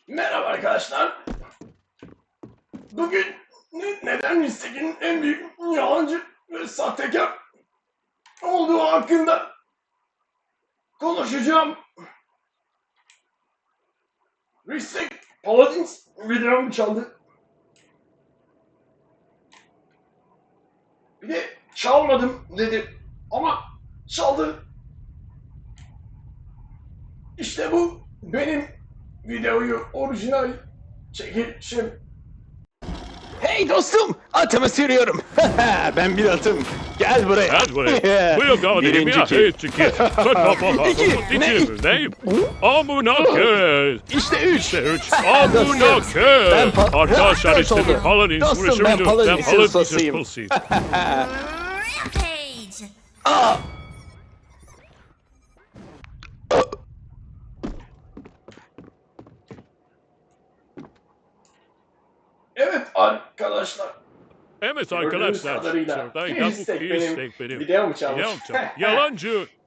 Merhaba arkadaşlar. Bugün neden Ristek'in en büyük yalancı ve sahtekar olduğu hakkında konuşacağım. Ristek Paladins videomu çaldı. Bir de çalmadım dedi ama çaldı. İşte bu benim videoyu orijinal çekişim. Hey dostum, atımı sürüyorum. Ben bir atım. Gel buraya. Gel buraya. Buyur kardeşim Birinci ya. kill. Hey çıkı. İki. Ne? Ne? Amına kez. İşte üç. İşte üç. Dostum, Amına kez. ben Arkadaşlar Dört işte oldu. bir Paladin Dostum, vuruşu ben müdür? Paladin ustasıyım. ustasıyım. Rampage! Aa! Evet arkadaşlar. Evet Gördüğünüz arkadaşlar. kadarıyla Şuradayken bu Ristek iyi benim istek benim. videomu çalmış. Yalancı.